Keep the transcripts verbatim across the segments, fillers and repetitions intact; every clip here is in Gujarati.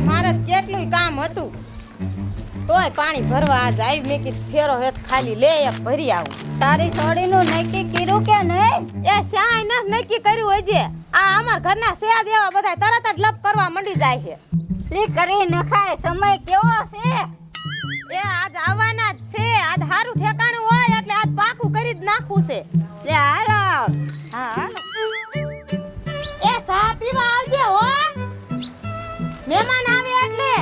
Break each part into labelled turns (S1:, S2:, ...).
S1: મારે કેટલું કામ હતું તોય પાણી ભરવા આજ આવી મેં કીધું ફેરો હેત ખાલી લે એક ભરી આવું
S2: તારી છોડીનું નક્કી કર્યું કે નહીં?
S1: એ શાય ન નક્કી કર્યું હોય છે આ અમાર ઘરના સેદ એવા બધા તરત જ લપ કરવા મંડી જાય છે
S2: લી કરી નખાય સમય કેવો છે?
S1: એ આજ આવવાના જ છે આજ હારું ઠેકાણું હોય એટલે આજ પાકું કરી જ નાખવું છે
S2: લે હાલો
S1: હા હાલો એ સા પીવા આવજે હો મહેમાન આવે એટલે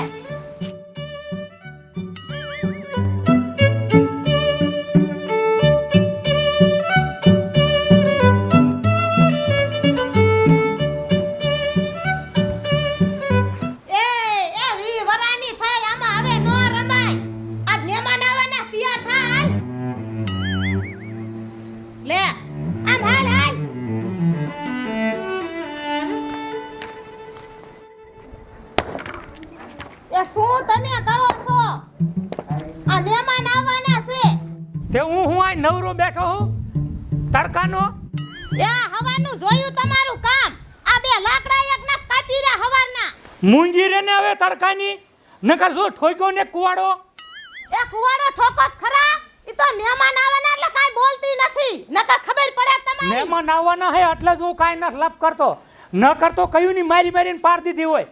S1: શું તમે કરો છો આ મહેમાન આવવાના છે
S3: તે હું હું આ નવરો બેઠો હું તડકાનો
S1: એ હવાનું જોયું તમારું કામ આ બે લાકડા એક ના કાપી રહ્યા હવારના
S3: મૂંગી રે ને હવે તડકાની નકર શું ઠોક્યો ને કુવાડો
S1: એ કુવાડો ઠોકો ખરા ઈ તો મહેમાન આવવાના એટલે કાઈ બોલતી નથી નકર ખબર પડે તમારી
S3: મહેમાન આવવાના હે એટલે જ હું કાઈ ન લપ કરતો ન કરતો કયું ની મારી મારીને પાર દીધી હોય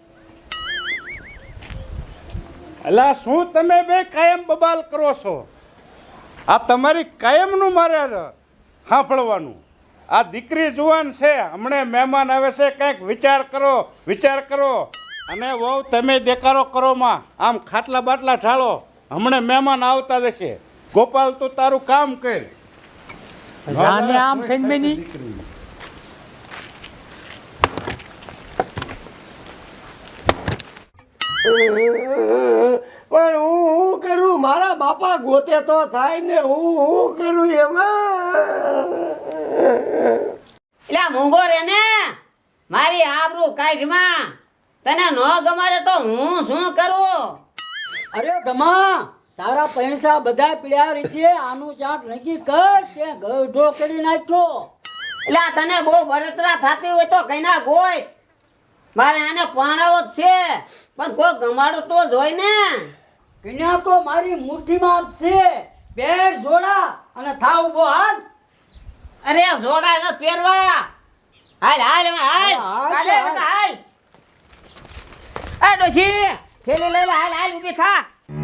S4: અલા શું તમે બે કાયમ બબાલ કરો છો આ તમારી કાયમનું મારે સાંભળવાનું આ દીકરી જુવાન છે હમણે મહેમાન આવે છે કંઈક વિચાર કરો વિચાર કરો અને વહુ તમે દેકારો કરો માં આમ ખાટલા બાટલા ઢાળો હમણે મહેમાન આવતા જશે ગોપાલ તું તારું કામ કર
S3: જાને આમ સેનમેની
S5: પણ હું હું કરું મારા બાપા ગોતે તો થાય ને હું હું કરું એમાં
S6: એલા મૂંગો રે ને મારી આબરૂ કાઢમાં તને ન ગમાડે તો હું શું કરું?
S7: અરે ધમા તારા પૈસા બધા પીડ્યા છે આનું ચાક નક્કી કર તે ગઢો કરી નાખ્યો.
S6: એલા તને બહુ બળતરા થતી હોય તો કઈ ના ગોય મારે આને પાણાવો જ છે પણ કોઈ ગમાડો તો જોઈ ને
S7: કન્યા તો મારી મુઠ્ઠીમાં જ છે પેર જોડા અને થાવ ઉભો હાલ.
S6: અરે જોડા ન પહેરવા હાલ હાલ હવે હાલ ચાલે હાલ આ ડોશી થેલી લઈ લે હાલ હાલ ઊભી થા.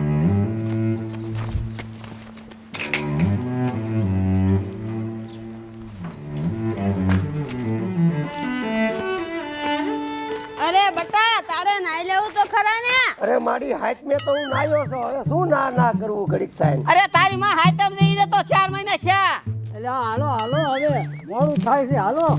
S2: અરે બટા તારે નાઈ લેવું તો ખરા ને?
S5: અરે મારી હાથ મેં તો હું નાયો છો હવે શું ના ના કરવું ઘડીક થાય
S6: અરે તારી માં હાઈતમ જઈને તો ચાર મહિના થયા.
S7: એટલે હાલો હાલો હવે મોડું થાય છે હાલો.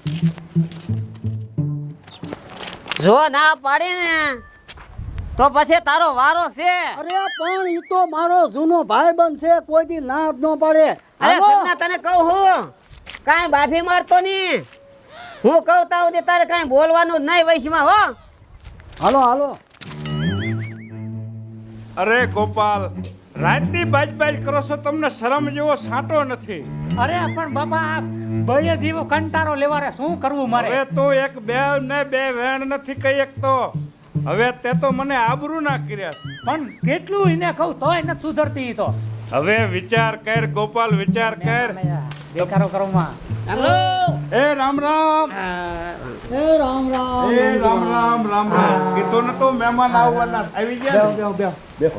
S6: જો ના પાડે ને તો પછી તારો વારો છે.
S7: અરે પણ ઈ તો મારો જૂનો ભાઈબંધ છે કોઈ દી ના જ ન પાડે.
S6: અરે સરના તને કહું હું કાંઈ બાફી મારતો નહીં હું કહું તા સુધી તારે કાંઈ બોલવાનું જ નહીં વૈશમાં હો.
S7: હાલો હાલો.
S4: અરે ગોપાલ રાતની બાજ બાજ કરો છો તમને શરમ જેવો સાંટો નથી.
S3: અરે પણ બાપા બળે જીવો કંટારો લેવા રે શું કરવું મારે?
S4: હવે તો એક બે ને બે વેણ નથી કઈ એક તો હવે તે તો મને આબરૂ ના કર્યા છે.
S3: પણ કેટલું એને કહું તોય નથી સુધરતી ઈ તો.
S4: હવે વિચાર કર ગોપાલ વિચાર કર.
S3: દેખારો કરો માં
S4: એ રામ રામ
S7: એ રામ રામ
S4: એ રામ રામ રામ રામ કીધું ને તો મહેમાન આવવાના આવી ગયા ને?
S3: બેહો બેહો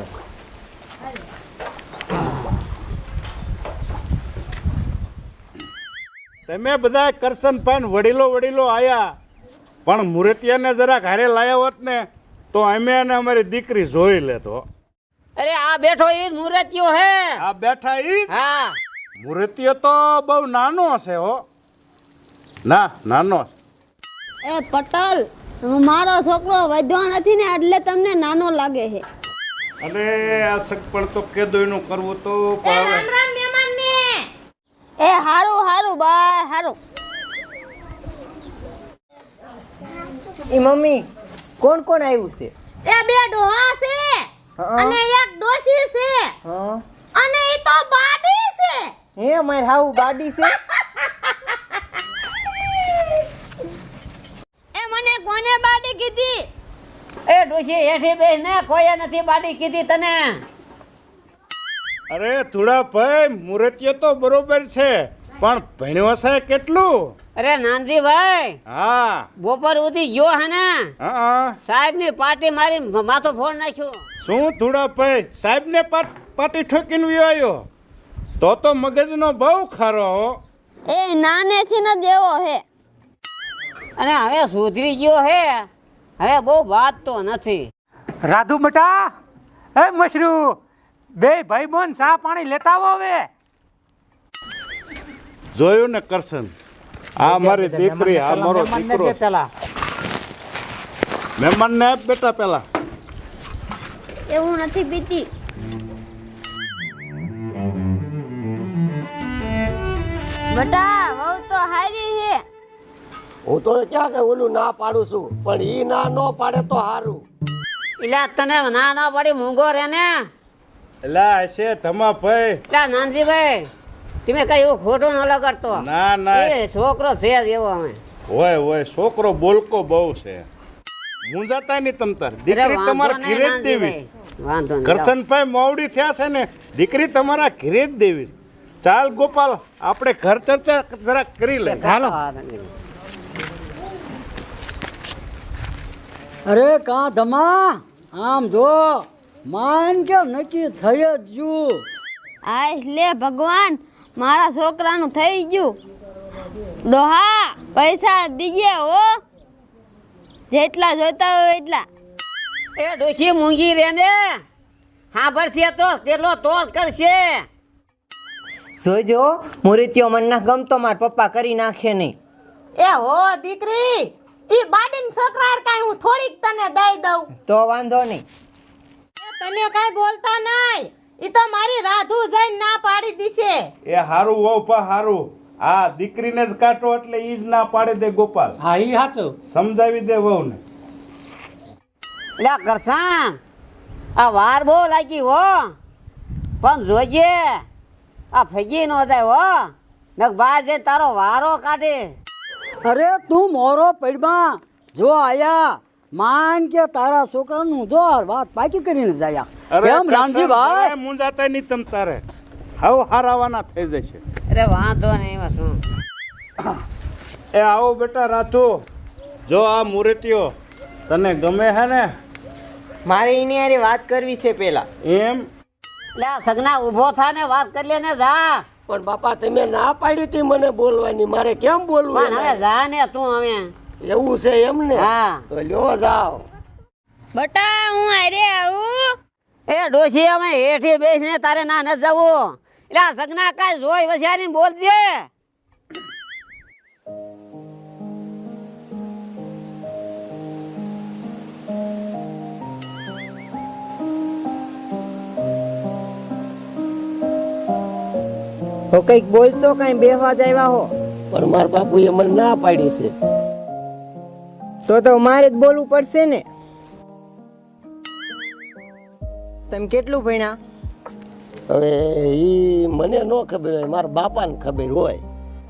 S4: તમે બધા કરશન પાન વડીલો વડીલો આયા પણ મૂર્તિયાને જરા ઘરે લાયા હોત ને તો અમે અને અમારી દીકરી જોઈ લેતો.
S6: અરે આ બેઠો ઈ મૂર્તિયો હે.
S4: આ બેઠા ઈ
S6: હા
S4: મૂર્તિયો તો બહુ નાનો છે હો. ના નાનો
S2: એ પટલ મારો છોકરો વધ્યો નથી ને એટલે તમને નાનો લાગે છે.
S4: અરે આ સગપણ તો કેદોયનું કરવું તો
S1: એ રામ રામ મહેમાન ને
S2: એ હારું હારું બાય હારું.
S8: એ મમ્મી કોણ કોણ આવ્યું છે?
S1: એ બે ડોહા છે અને એક ડોશી છે
S8: હા
S1: અને ઈ તો બાડી છે.
S8: હે માર હાઉ બાડી છે?
S2: એ મને કોને બાડી કીધી?
S6: એ ડોશી હેઠી બેસ ને કોઈએ નથી બાડી કીધી તને.
S4: અરે થોડા ભાઈ મુરતિયો તો બરોબર છે પણ ભણ્યો છે કેટલું?
S6: અરે નાનજીભાઈ
S4: હા
S6: બપોર સુધી ગયો હે ને
S4: હા
S6: સાહેબ ની પાર્ટી મારી માથું ફોડ નાખ્યું.
S4: શું થોડા ભાઈ સાહેબ ને પાટી ઠોકીને વ્યો આવ્યો? તો તો મગજનો બહુ ખારો હો.
S2: એ નાનેથી ન દેવો હે.
S6: અને હવે સુધરી ગયો હે, હવે બહુ વાત તો નથી.
S3: રાધુ બટા, એ મશરૂ, બે ભાઈ બોન ચા પાણી લેતા આવો હવે.
S4: જોયું ને કરશન, આ મારી દીકરી, આ મારો દીકરો.
S3: પેલા
S4: મહેમાન ને આપ બેટા પેલા.
S2: એવું નથી પીતી. બટા વહુ તો હારી હે.
S5: હું તો ક્યાં કે ઓલું ના પાડું છું પણ ઈ ના નો પાડે તો સારું.
S6: એટલે તને ના ના પડી મૂંગો રે ને.
S4: એલા હશે ધમા ભાઈ.
S6: એટલે નાનજીભાઈ તમે કઈ એવું ખોટું ન લગાડતો.
S4: ના ના
S6: એ છોકરો છે જ એવો. અમે
S4: હોય હોય છોકરો બોલકો બહુ છે. મૂંઝાતા નહીં તમ તાર. દીકરી તમારા ઘરે જ દેવી.
S6: વાંધો નહીં.
S4: કરશનભાઈ મોવડી થયા છે ને, દીકરી તમારા ઘરે જ દેવી. ચાલ ગોપાલ, આપણે ઘર ચર્ચા જરા કરી લે.
S3: હાલો.
S7: અરે કા ધમા, આમ જો માન કે નક્કી થઈ જ ગયું.
S2: આય લે ભગવાન, મારા છોકરાનું થઈ ગયું. ડોહા પૈસા દીજે હો, જેટલા જોઈતા હોય એટલા.
S6: એ ડોશી મૂંગી રે ને, હા ભરશે તો તેલો તોડ કરશે.
S8: જોઈજો મુરતિયો મન ના ગમતો માર પપ્પા કરી નાખે નહીં.
S1: એ હો દીકરી, ઈ બાડીન છોકરા હાર કાંઈ હું થોડીક તને દઈ દઉં.
S8: તો વાંધો નહીં.
S1: એ તમે કાંઈ બોલતા નહીં, ઈ તો મારી રાધુ જઈને ના પાડી દીશે.
S4: એ હારું વહુ પા હારું. આ દીકરીને જ કાઢો એટલે ઈ જ ના પાડે દે ગોપાલ.
S3: હા ઈ સાચું.
S4: સમજાવી દે વહુને.
S6: લે કરસાન, આ વાર બહુ લાગી હો, પણ જોજે આ ફગી નો જાય હો, નક બાજે તારો વારો કાઢે.
S7: અરે તું મોરો પડમાં જો આયા, માન કે તારા છોકરાનું જો વાત પાકી કરીને જાયા. કેમ રામજીભાઈ?
S4: મૂંઝાતા નહીં તમ તારે. હાવ હારાવાના થઈ જશે.
S6: અરે વાંધો નહીં, એમાં શું.
S4: એ આવો બેટા રાધુ, જો આ મૂર્તિઓ તને ગમે હે ને?
S8: મારે એની હારે વાત કરવી છે પેલા.
S4: એમ
S6: લે સગના ઊભો થા ને વાત કરી લે ને જા.
S5: પણ બાપા તમે ના પાડી હતી મને બોલવાની, મારે કેમ બોલવું?
S6: પણ હવે જા ને તું હવે.
S5: એવું છે એમ ને?
S6: હા.
S5: તો લ્યો જાઓ.
S2: બટા હું હારે આવું.
S6: એ ડોશી અમે હેઠી બેસીને તારે ના ન જવું. એટલે આ સગના કાંઈ જોઈ વસ્યાની બોલજે.
S8: તો કઈક બોલશો, કઈ બેહવા જ આવ્યા હો?
S5: પણ મારા બાપુએ મને ના પાડી છે.
S8: તો તો મારે જ બોલવું પડશે ને. તમે કેટલું ભણ્યા?
S5: હવે ઈ મને ન ખબર હોય, મારા બાપાને ખબર હોય.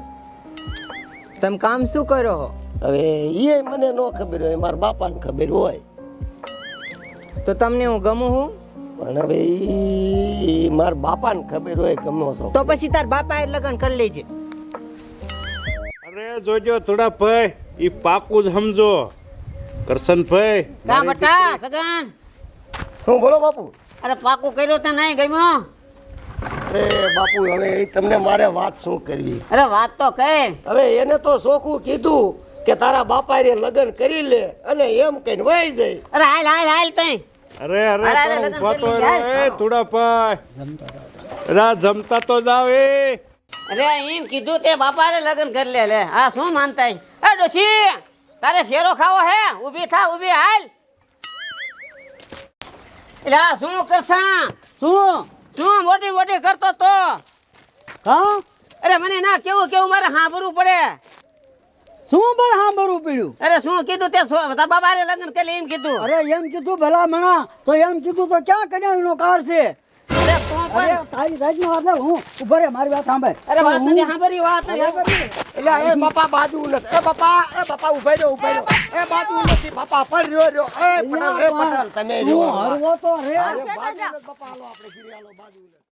S8: તમે કામ શું કરો હો?
S5: હવે એ મને ન ખબર હોય, મારા બાપાને ખબર હોય.
S8: તો તમને હું ગમું હું?
S5: પણ હવે ઈ મારા બાપાને ખબર હોય ગમો છો.
S8: તો પછી તાર બાપા એ લગ્ન કરી લેજે.
S4: અરે જોજો થોડા ભાઈ, ઈ પાકું જ સમજો. કરશનભાઈ
S6: કા બટા સગન,
S5: શું બોલો બાપુ?
S6: અરે પાકું કર્યું તો નહીં ગમ્યો?
S5: અરે બાપુ હવે ઈ તમને મારે વાત શું કરવી?
S6: અરે વાત તો કહે.
S5: હવે એને તો સોખું કીધું કે તારા બાપા રે લગ્ન કરી લે અને એમ કહીને વહી જાય.
S6: અરે હાલ હાલ હાલ તઈ.
S4: અરે અરે
S6: અરે,
S4: પણ
S6: લગન
S4: ઊભા તો
S6: કરી
S4: રહો,
S6: લીધા.
S4: એ થોડા ભાઈ. રા જમતા તો જાવ. એ
S6: અરે એમ કીધું તે બાપાને લગ્ન કરી લે. લે આ શું માનતા? એ ડોશી તારે શેરો ખાવો હે? ઊભી થા, ઊભી હાલ. એટલે આ શું કરશા?
S7: શું
S6: શું મોટી મોટી કરતો તો?
S7: કા
S6: અરે મને ના કેવું કેવું મારે સાંભળવું પડે.
S7: શું બળ સાંભળવું પડ્યું?
S6: અરે શું કીધું તે? તારા બાબાને લગ્ન કરી એમ કીધું.
S7: અરે એમ કીધું ભલા મણા, તો એમ કીધું તો ક્યાં કન્યાનો કાર છે?
S6: અરે તો
S7: અરે
S6: પણ
S7: તારી જાતની વાત નહીં, હું ઉભો રે મારી વાત સાંભળ.
S6: અરે વાત
S7: હું-
S6: નથી સાંભળી વાત નથી સાંભળી.
S5: એટલે એ બાપા બાજુ નથી એ બાપા એ બાપા ઉભા રહ્યો ઉભા રહ્યો એ બાજુ નથી બાપા પણ રહ્યો રહ્યો એ પટેલ એ પટેલ તમે
S7: તું
S5: રહ્યો
S7: હરવો તો રે
S5: બાજુ નથી બાપા હાલો આપણે ઘીરે હાલો બાજુ નથી